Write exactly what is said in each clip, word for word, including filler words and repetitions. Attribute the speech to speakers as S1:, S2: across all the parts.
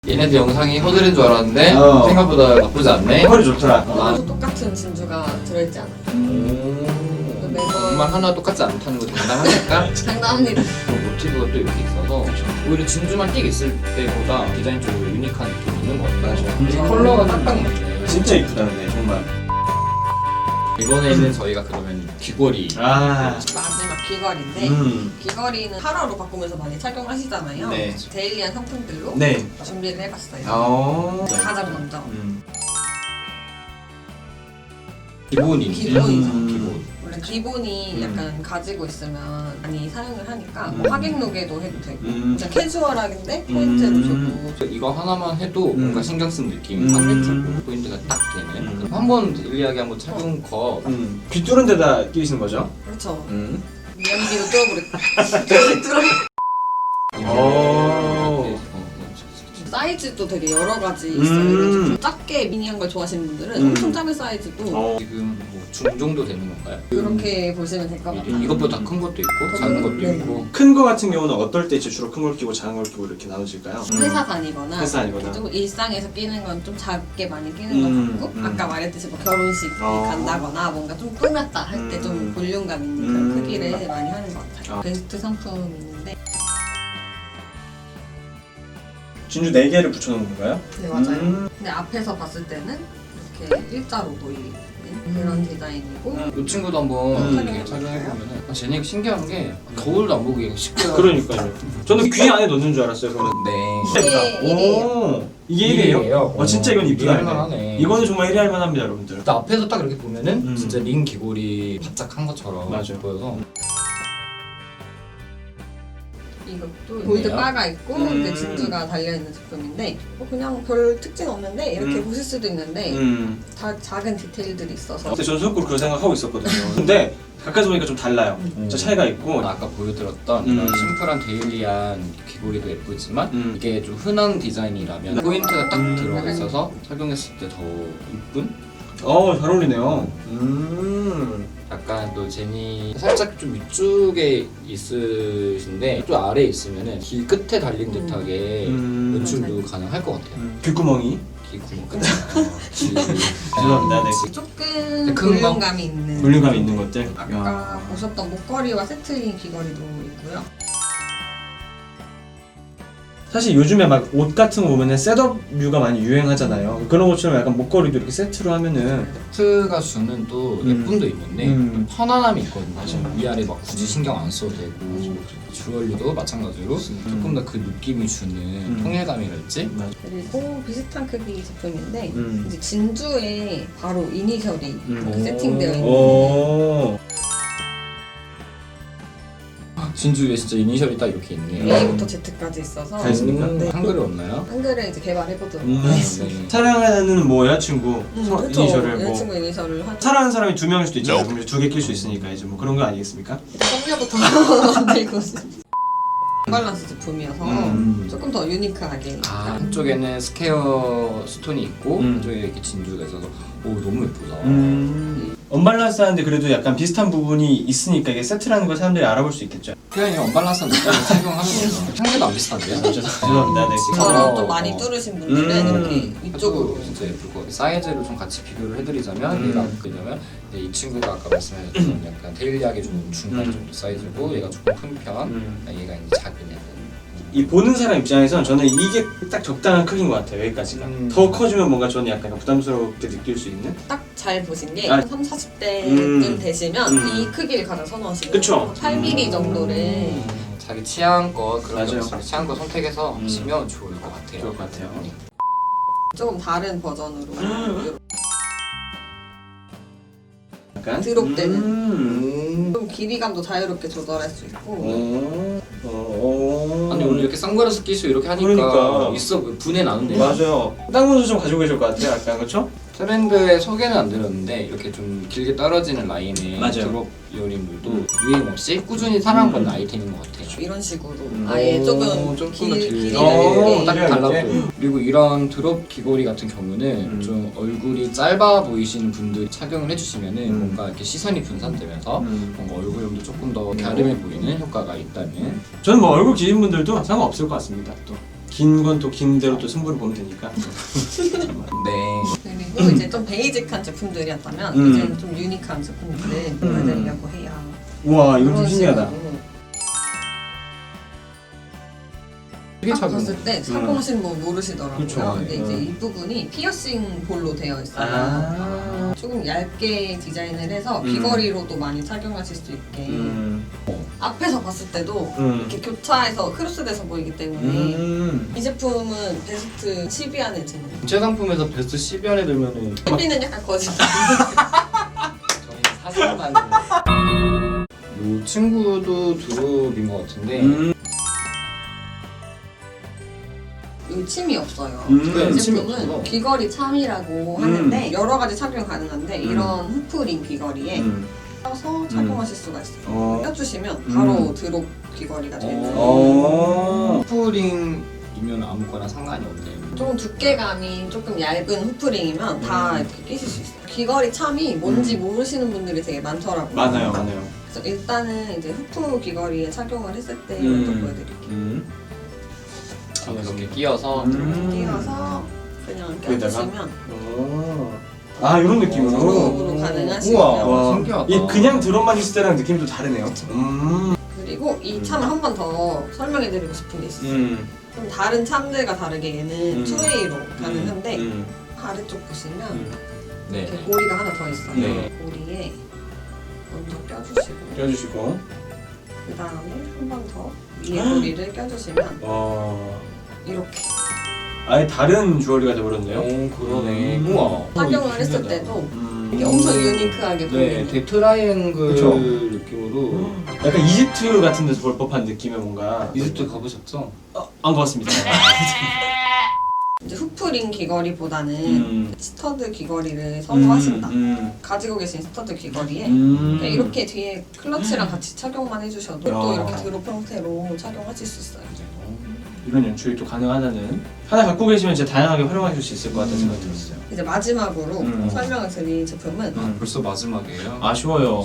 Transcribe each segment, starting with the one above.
S1: 얘네들 영상이 허드렛인 줄 알았는데
S2: 어.
S1: 생각보다 나쁘지 않네.
S2: 퀄이 좋더라.
S3: 나도 똑같은 진주가 들어있지 않아요.
S1: 음.
S3: 매번
S1: 정말 하나 똑같지 않다는 거 장담합니까?
S3: 장담합니다.
S1: 모티브가 또 이렇게 있어서 오히려 진주만 띡 있을 때보다 디자인적으로 유니크한 느낌이 있는 것 같아요.
S2: 맞아.
S1: 이 컬러가 딱딱 맞네.
S2: 진짜 이쁘다 근데 정말.
S1: 이번에는 저희가 그러면 귀걸이
S2: 아.
S3: 마지막 귀걸이인데
S2: 음.
S3: 귀걸이는 카라로 바꾸면서 많이 착용하시잖아요.
S2: 네.
S3: 데일리한 상품들로
S2: 네.
S3: 준비를 해봤어요.
S2: 어.
S3: 가장 먼저
S2: 음.
S1: 기본이
S3: 기본이죠.
S2: 음.
S1: 기본.
S3: 원래 기본이
S2: 음.
S3: 약간 가지고 있으면 많이 사용을 하니까
S2: 음.
S3: 뭐 하객룩에도 해도 되고
S2: 음.
S3: 진짜 캐주얼하긴데 포인트로
S2: 음.
S3: 줘도
S1: 이거 하나만 해도
S2: 음.
S1: 뭔가 신경 쓴 느낌이
S2: 음.
S1: 확 들고 포인트가 딱 되는.
S2: 음.
S1: 그럼 한번 일리하게 한번 착용 거.
S2: 음. 귀 뚫은 데다 끼시는 거죠?
S3: 그렇죠.
S2: 음.
S3: 미연기로 뚫어버렸다. 뚫어.
S2: 오.
S3: 사이즈도 되게 여러 가지 있어요.
S2: 음.
S3: 그래서 좀 작게 미니한 걸 좋아하시는 분들은
S2: 음.
S3: 엄청 작은 사이즈도
S2: 어.
S1: 지금 뭐 중정도 되는 건가요?
S3: 그렇게 보시면 될 것 같아요.
S1: 이것보다 큰 것도 있고 작은 것도
S3: 네.
S1: 있고.
S2: 큰 거 같은 경우는 어떨 때 이제 주로 큰 걸 끼고 작은 걸 끼고 이렇게 나눠질까요?
S3: 회사 다니거나,
S2: 회사 다니거나.
S3: 좀 일상에서 끼는 건 좀 작게 많이 끼는
S2: 음,
S3: 것 같고
S2: 음.
S3: 아까 말했듯이 뭐 결혼식
S2: 어.
S3: 간다거나 뭔가 좀 꾸몄다 할 때 좀
S2: 음.
S3: 볼륨감 있는
S2: 음.
S3: 그런 크기를 많이 하는 것 같아요.
S2: 어.
S3: 베스트 상품이 있는데
S2: 진주 네 개를 붙여놓은 건가요?
S3: 네 맞아요.
S2: 음.
S3: 근데 앞에서 봤을 때는 이렇게 일자로 보이는 그런 디자인이고
S2: 음.
S1: 이 친구도 한번
S2: 음.
S1: 이렇게 착용해보면은 아, 쟤네 신기한 게 거울도 안 보고 그냥 쉽게
S2: 그러니까요. 저는 귀 안에 넣는 줄 알았어요. 그러면.
S1: 네.
S3: 이게 일이에요.
S2: 오. 이게 일이에요? 어, 진짜 이건 이쁘다.
S1: 할만하네.
S2: 이거는 정말 일 위 할 만합니다, 여러분들.
S1: 일단 앞에서 딱 이렇게 보면은
S2: 음.
S1: 진짜 링 귀걸이 바짝 한 것처럼
S2: 맞아요.
S1: 보여서
S3: 이것도 골드 바가 있고
S2: 음.
S3: 이제 진주가 달려있는 제품인데 뭐 그냥 별 특징 없는데 이렇게
S2: 음.
S3: 보실 수도 있는데
S2: 음.
S3: 다 작은 디테일들이 있어서
S2: 근데 저는 속으로 그런 생각하고 있었거든요. 근데 가까이서 보니까 좀 달라요.
S1: 음.
S2: 진짜 차이가 있고.
S1: 아까 보여드렸던
S2: 음.
S1: 이런 심플한 데일리한 귀걸이도 예쁘지만
S2: 음.
S1: 이게 좀 흔한 디자인이라면 포인트가 딱
S2: 음.
S1: 들어가 있어서 착용했을 때 더 이쁜?
S2: 어, 잘 어울리네요. 음.
S1: 약간 또 제니 살짝 좀 위쪽에 있으신데 좀 아래에 있으면은 귀 끝에 달린 듯하게
S2: 음.
S1: 연출도 가능할 것 같아요.
S2: 음. 귓구멍이.
S1: 귀 구멍 끝에. 어, 귀.
S2: 죄송합니다. 네.
S3: 조금
S1: 큰 거?
S3: 볼륨감이 있는
S2: 볼륨감 있는 것들.
S3: 아까
S2: 야.
S3: 보셨던 목걸이와 세트인 귀걸이도 있고요.
S2: 사실 요즘에 막 옷 같은 거 보면은 셋업류가 많이 유행하잖아요. 그런 것처럼 약간 목걸이도 이렇게 세트로 하면은
S1: 세트가 주는 또
S2: 음.
S1: 예쁨도 있는데
S2: 음.
S1: 편안함이 있거든요.
S2: 맞아요.
S1: 위아래 막 굳이 신경 안 써도 되고 주얼리도 마찬가지로 조금 더 그 느낌이 주는
S2: 음.
S1: 통일감이랄지.
S3: 그리고 비슷한 크기 제품인데
S2: 음.
S3: 이제 진주에 바로 이니셜이
S2: 음.
S3: 이렇게 세팅되어 있는
S2: 오.
S1: 진주에 진짜 이니셜이 딱 이렇게 있네요.
S3: A부터 Z까지 있어서
S2: 다 있습니까?
S1: 음,
S3: 네.
S1: 한글이 없나요?
S3: 한글을 이제 개발해보도록
S2: 음.
S3: 하겠습니다.
S1: 네.
S2: 사랑하는 뭐 여자친구
S3: 음,
S2: 서-
S3: 그렇죠.
S2: 이니셜을 뭐
S3: 여자친구 이니셜을 하죠.
S2: 사랑하는 사람이 두 명일 수도 있잖아요. 그럼 두 개 낄 수 있으니까 이제 뭐 그런 거 아니겠습니까?
S3: 썸녀부터 만들고 밸런스 제품이어서
S2: 음.
S3: 조금 더 유니크하게
S1: 아, 한쪽에는 스퀘어 스톤이 있고
S2: 음.
S1: 한쪽에 이렇게 진주가 있어서 오 너무 예쁘다.
S2: 음. 언밸런스한데 그래도 약간 비슷한 부분이 있으니까 이게 세트라는 걸 사람들이 알아볼 수 있겠죠.
S1: 그냥 이 언밸런스한 느낌을 착용하는 거죠. 향기도 안 비슷한데요?
S2: 죄송합니다. 네.
S3: 저는
S1: 어,
S3: 좀 많이
S1: 어.
S3: 뚫으신 분들은
S2: 음.
S3: 이렇게 위쪽으로
S1: 이쪽으로 진짜 예쁘고 사이즈를 좀 같이 비교를 해드리자면
S2: 음.
S1: 얘가 뭐냐면 이 친구가 아까 말씀하셨던 약간 데일리하게 좀 중간
S2: 음.
S1: 정도 사이즈고 얘가 조금 큰 편,
S2: 음.
S1: 얘가 이제 작은 약간.
S2: 이 보는 사람 입장에서는 저는 이게 딱 적당한 크기인 것 같아요. 여기까지가.
S1: 음.
S2: 더 커지면 뭔가 저는 약간 부담스럽게 느낄 수 있는.
S3: 딱 잘 보신 게
S2: 아.
S3: 삼, 사십 대쯤
S2: 음.
S3: 되시면
S2: 음.
S3: 이 크기를 가장 선호하시는
S2: 그쵸.
S3: 거예요. 팔 밀리미터 정도를
S1: 음, 자기 취향껏 그런
S2: 맞아요.
S1: 거 취향껏 선택해서
S2: 음.
S1: 하시면 좋을 것 같아요.
S2: 좋을 것 같아요.
S3: 조금 다른 버전으로 이렇게
S2: 약간
S3: 드롭되는.
S2: 음.
S3: 좀 길이감도 자유롭게 조절할 수 있고
S2: 오. 어, 오.
S1: 아니 오늘 이렇게 선글라스 끼시고 이렇게 하니까
S2: 그러니까.
S1: 있어 분해 나는데요.
S2: 맞아요. 쌍문도 좀 가지고 계실 것 같아요. 약간 그렇죠?
S1: 트렌드에 소개는 안 드렸는데 이렇게 좀 길게 떨어지는 라인의
S2: 맞아요.
S1: 드롭 이어링들도 유행 없이 꾸준히 사랑받는
S2: 음.
S1: 아이템인 것 같아요.
S3: 이런 식으로
S2: 음.
S3: 아예
S1: 오,
S3: 조금
S1: 조금
S3: 길,
S1: 더 길-
S3: 길이가
S2: 오,
S3: 있게
S1: 딱
S2: 이렇게.
S1: 달라고. 그리고 이런 드롭 귀걸이 같은 경우는
S2: 음.
S1: 좀 얼굴이 짧아 보이시는 분들이 착용을 해주시면은
S2: 음.
S1: 뭔가 이렇게 시선이 분산되면서
S2: 음.
S1: 뭔가 얼굴형도 조금 더 갸름해 보이는 효과가 있다는.
S2: 저는 뭐 얼굴 기신 분들도 상관없을 것 같습니다. 또 긴 건 또 긴 대로 또 승부를 보면 되니까.
S1: 네.
S3: 그리고 이제 좀 베이직한 제품들이었다면
S2: 음.
S3: 이제는 좀 유니크한 제품들을 보여드리려고 해요.
S2: 우와 이거 좀
S3: 그런
S2: 신기하다.
S3: 식으로.
S1: 되게
S3: 딱
S1: 작은
S3: 봤을 때 사용하시는 분 모르시더라고요.
S2: 그쵸.
S3: 근데 이제
S2: 음.
S3: 이 부분이 피어싱 볼로 되어 있어요.
S2: 아.
S3: 조금 얇게 디자인을 해서
S2: 음.
S3: 귀걸이로도 많이 착용하실 수 있게
S2: 음.
S3: 앞에서 봤을 때도
S2: 음.
S3: 이렇게 교차해서 크로스돼서 보이기 때문에
S2: 음.
S3: 이 제품은 베스트 십 위 안에 드는.
S1: 전체 상품에서 베스트 십 위 안에 들면은
S3: 십 위는 약간 거짓말.
S1: 저희 사실만 이 친구도 두릅인 것 같은데
S2: 음.
S3: 이 침이 없어요.
S2: 음.
S1: 네,
S3: 이
S1: 침이
S3: 제품은
S1: 없어서.
S3: 귀걸이 참이라고
S2: 음.
S3: 하는데 여러 가지 착용 가능한데
S2: 음.
S3: 이런 후프링 귀걸이에
S2: 음.
S3: 껴서 착용하실 수가 있어요.
S2: 어.
S3: 껴주시면 바로
S2: 음.
S3: 드롭 귀걸이가 되는.
S2: 어.
S1: 후프링이면 아무거나 상관이 없네요.
S3: 조금 두께감이 조금 얇은 후프링이면 다
S2: 음.
S3: 이렇게 끼실 수 있어요. 귀걸이 참이 뭔지 모르시는 분들이 되게 많더라고요.
S2: 많아요, 많아요.
S3: 그래서 일단은 이제 후프 귀걸이에 착용을 했을 때
S2: 음.
S3: 먼저 보여드릴게요.
S2: 음.
S1: 이렇게 끼워서
S2: 음.
S3: 끼워서 그냥
S2: 거기다가?
S3: 껴주시면
S2: 어. 아 이런 느낌으로.
S3: 드롭으로 가능하시고요.
S2: 우와.
S1: 와, 신기하다.
S2: 이 그냥 드럼만 있을 때랑 느낌이 또 다르네요. 음.
S3: 그리고 이 참을 한 번 더 설명해드리고 싶은 게 있어요.
S2: 음.
S3: 좀 다른 참들과 다르게 얘는
S2: 음.
S3: 투웨이로 가능한데
S2: 음.
S3: 아래쪽 보시면
S2: 음.
S1: 네.
S3: 이렇게 고리가 하나 더 있어요.
S2: 네.
S3: 고리에 먼저 껴주시고
S2: 껴주시고.
S3: 그 다음에 한 번 더 위에 고리를 껴주시면
S2: 어.
S3: 이렇게
S2: 아예 다른 주얼리가 돼버렸네요.
S1: 오 그러네.
S2: 음.
S1: 우와.
S3: 착용을 했을
S1: 신기하다.
S3: 때도
S2: 음.
S3: 이게 엄청 유니크하게
S1: 네,
S3: 보이는.
S1: 되게 트라이앵글
S2: 그쵸.
S1: 느낌으로.
S2: 약간 이집트 같은 데서 볼 법한 느낌의 뭔가.
S1: 이집트 가보셨죠?
S2: 어, 안 가봤습니다.
S3: 이제 후프링 귀걸이보다는
S2: 음.
S3: 스터드 귀걸이를 선호하신다.
S2: 음.
S3: 가지고 계신 스터드 귀걸이에
S2: 음.
S3: 네, 이렇게 뒤에 클러치랑 같이 착용만 해주셔도 또
S2: 야.
S3: 이렇게 드롭 형태로 착용하실 수 있어요.
S2: 이런 연출이 또 가능하다는. 하나 갖고 계시면 진짜 다양하게 활용하실 수 있을 것 같다는 생각이 들었어요.
S3: 이제 마지막으로
S2: 음.
S3: 설명을 드릴 제품은
S2: 음.
S1: 벌써 마지막이에요.
S2: 아쉬워요.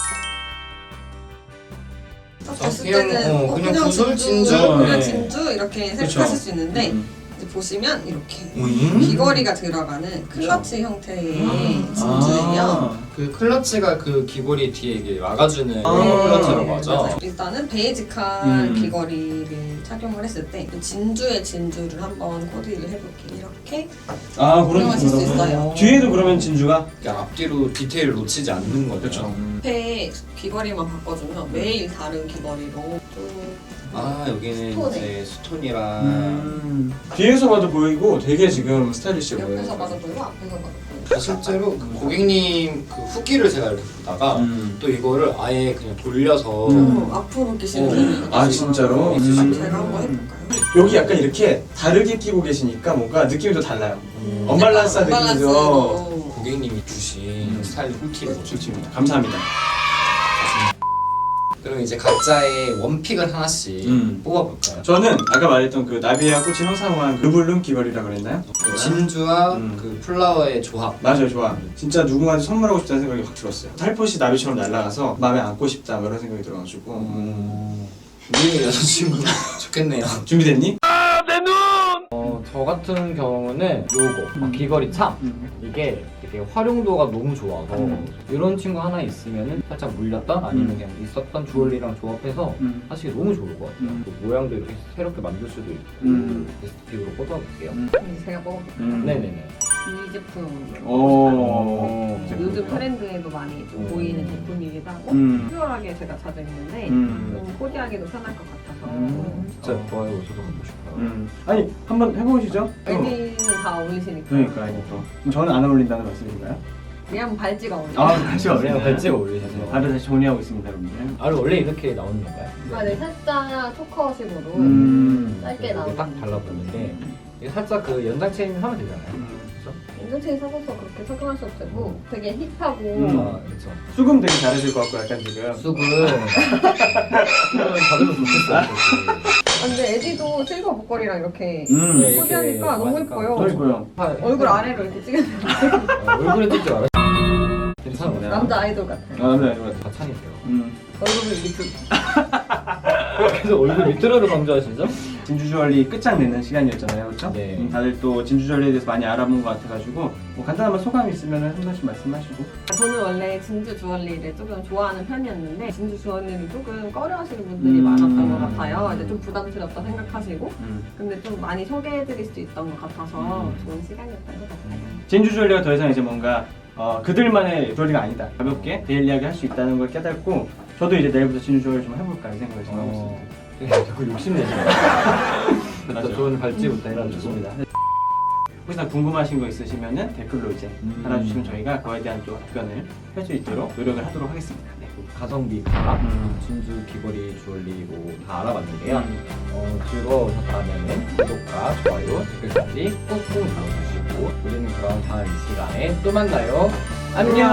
S3: 딱 봤을
S1: 그냥,
S3: 때는
S1: 어,
S3: 어,
S1: 그냥
S3: 그냥
S1: 구슬
S3: 진주,
S1: 진주?
S3: 그냥
S2: 네.
S3: 진주 이렇게
S2: 그쵸.
S3: 생각하실 수 있는데
S2: 음.
S3: 이제 보시면 이렇게
S1: 오잉?
S3: 귀걸이가 들어가는 클러치 형태의
S2: 아.
S3: 진주예요.
S1: 그 클러치가 그 귀걸이 뒤에 이게 막아주는
S2: 아.
S1: 클러치라고 하죠.
S3: 맞아요. 일단은 베이직한
S2: 음.
S3: 귀걸이를 착용을 했을 때 진주의 진주를 한번 코디를 해볼게요. 이렇게
S2: 아 그런
S3: 활용하실 수
S2: 느낌으로.
S3: 있어요.
S2: 뒤에도 그러면 진주가?
S1: 그러니까 앞뒤로 디테일을 놓치지 않는 거죠.
S2: 그렇죠.
S3: 앞에 귀걸이만 바꿔주면 매일 다른 귀걸이로 좀
S1: 아 여기는
S3: 스톤에.
S1: 이제 스톤이랑
S2: 음. 뒤에서 봐도 보이고 되게 지금 스타일리시해 보여요.
S3: 옆에서 봐도 보이고 앞에서 봐도 보이고.
S1: 실제로 그 고객님 그 후기를 제가 이렇게 보다가
S2: 음.
S1: 또 이거를 아예 그냥 돌려서
S2: 음.
S3: 어, 앞으로 끼시는
S1: 어.
S3: 분이
S2: 아 진짜로?
S1: 음.
S3: 제가 한번 해볼까요?
S2: 여기 약간 이렇게 다르게 끼고 계시니까 뭔가 느낌이 더 달라요.
S1: 음.
S2: 언밸런스한
S3: 약간
S2: 느낌이죠.
S3: 언밸런스로.
S1: 고객님이 주신
S2: 음.
S1: 스타일 꿀팁을
S2: 좋습니다. 감사합니다.
S1: 그럼 이제 각자의 원픽을 하나씩
S2: 음.
S1: 뽑아볼까요?
S2: 저는 아까 말했던 그 나비와 꽃이 형상화한 르블룸 귀걸이라 그랬나요?
S1: 그 진주와
S2: 음.
S1: 그 플라워의 조합.
S2: 맞아요, 좋아. 진짜 누군가한테 선물하고 싶다는 생각이 확 들었어요. 살포시 나비처럼 날아가서 마음에 안고 싶다 뭐 이런 생각이 들어가지고.
S1: 음. 우리 여자친구 좋겠네요.
S2: 준비됐니?
S4: 어, 저 같은 경우는 요거 아, 귀걸이 참 이게 되게 활용도가 너무 좋아서
S2: 음.
S4: 이런 친구 하나 있으면은 살짝 물렸던 아니면
S2: 음.
S4: 그냥 있었던 주얼리랑 조합해서
S2: 음.
S4: 하시기 너무 좋을 것 같아요.
S2: 음.
S4: 또 모양도 이렇게 새롭게 만들 수도 있고
S2: 음.
S4: 에스티픽으로 꽂아볼게요.
S2: 음.
S3: 이제 제가 뽑아볼게요.
S2: 음.
S4: 네네네.
S3: 이 제품
S2: 오.
S3: 요즘 트렌드에도 많이 좀
S4: 음.
S3: 보이는 제품이기도 하고
S2: 음.
S3: 퓨어하게 제가 자주 입는데
S2: 음.
S3: 좀 코디하기도 편할 것 같아서
S2: 음.
S4: 진짜 좋아요. 저도 갖고 싶어요.
S2: 음. 아니 한번 해보시죠.
S3: 애기는 다 어울리시니까
S2: 그러니까 이것도. 저는 안 어울린다는 말씀인가요?
S3: 그냥 발찌가 어울려요.
S2: 아, 다시
S4: 그냥
S2: 어울려요.
S4: 발찌가 어울리셔서.
S2: 발을 다시 정리하고 있습니다, 여러분들.
S4: 아 원래 이렇게 나오는 건가요?
S3: 아, 네, 살짝 초커식으로
S2: 음.
S3: 짧게
S4: 이렇게
S3: 나오는
S4: 딱 달라붙는데 이게 살짝 그 연장 체인 하면 되잖아요. 그렇죠?
S3: 인정체인 사셔서 그렇게 착용하셔도 되고 되게 힙하고
S2: 음.
S4: 아, 그렇죠.
S2: 수금 되게 잘하실 것 같고 약간 지금.
S4: 쑥은 쑥은 받으면 좋겠어요.
S3: 아, 근데 에디도 실버 목걸이랑 이렇게
S2: 음.
S4: 네,
S3: 코디하니까
S4: 이렇게
S3: 너무
S4: 하니까
S3: 예뻐요.
S2: 더 이뻐요.
S3: 얼굴 아래로 이렇게 찍으면
S4: 어, 얼굴에 찍지 말아. 괜찮아요.
S3: 남자 아이돌 같아요.
S2: 아, 남자 아닌 것 같아.
S4: 가찬이세요.
S2: 음.
S3: 얼굴을 밑으로.
S4: 그래서 얼굴 밑으로를 강조하시죠?
S2: 진주 주얼리 끝장내는 시간이었잖아요, 그렇죠?
S4: 네.
S2: 음, 다들 또 진주 주얼리에 대해서 많이 알아본 것 같아가지고 뭐 간단한 소감 있으면 한 번씩 말씀하시고.
S3: 저는 원래 진주 주얼리를 조금 좋아하는 편이었는데 진주 주얼리를 조금 꺼려하시는 분들이
S2: 음.
S3: 많았던 것 같아요. 이제 좀 부담스럽다 생각하시고
S2: 음.
S3: 근데 좀 많이 소개해드릴 수 있던 것 같아서
S2: 음.
S3: 좋은 시간이었던 것 같아요.
S2: 진주 주얼리가 더 이상 이제 뭔가 어, 그들만의 주얼리가 아니다. 가볍게 데일리 이야기 할 수 있다는 걸 깨닫고 저도 이제 내일부터 진주 주얼리 좀 해볼까 이 생각을 지금 하고
S4: 어,
S2: 있습니다.
S4: 자꾸 욕심내시네요.
S2: 맞아요.
S4: 좋은 발찌부터 해라
S2: 좋습니다. 혹시나 궁금하신 거 있으시면은 댓글로 이제
S4: 음.
S2: 달아주시면 저희가 그거에 대한 또 답변을 할 수 있도록 노력을 하도록 하겠습니다. 네.
S4: 가성비 가
S2: 음.
S4: 진주 귀걸이 주얼리로 다 알아봤는데요.
S2: 음.
S4: 어, 즐거우셨다면 구독과 좋아요, 댓글까지 꾹꾹 눌러주시고 우리는 그럼 다음 이 시간에 또 만나요. 안녕.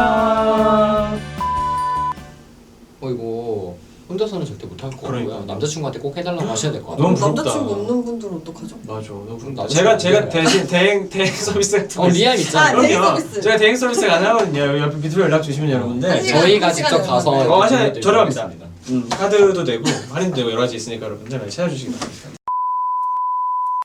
S1: 어 이거 혼자서는 절대 못할 것
S2: 그러니까.
S1: 같고요. 남자친구한테 꼭 해달라고 하셔야 될 것 같아요.
S2: 너무 부럽다.
S3: 남자친구 없는 분들은 어떡하죠?
S2: 맞아. 너무
S1: 그럼
S2: 부럽다.
S1: 나도
S2: 제가
S1: 좀
S2: 제가
S1: 없는 거야.
S2: 대신 대행 대행 서비스 같은
S1: 어
S2: 거 있어요.
S1: 리암 있잖아요.
S3: 아, 대행
S2: 그럼요.
S3: 서비스.
S2: 제가 대행 서비스 가능하거든요. 옆에 밑으로 연락 주시면 여러분들.
S3: 한 시간,
S1: 저희가
S3: 한
S1: 직접
S3: 시간에
S1: 가서
S3: 얼마예요?
S2: 어, 하셔야
S1: 해드리도록
S2: 저렴합니다.
S1: 하겠습니다.
S2: 음, 카드도 되고 할인도 되고 여러 가지 있으니까 여러분들 많이 찾아주시기 바랍니다.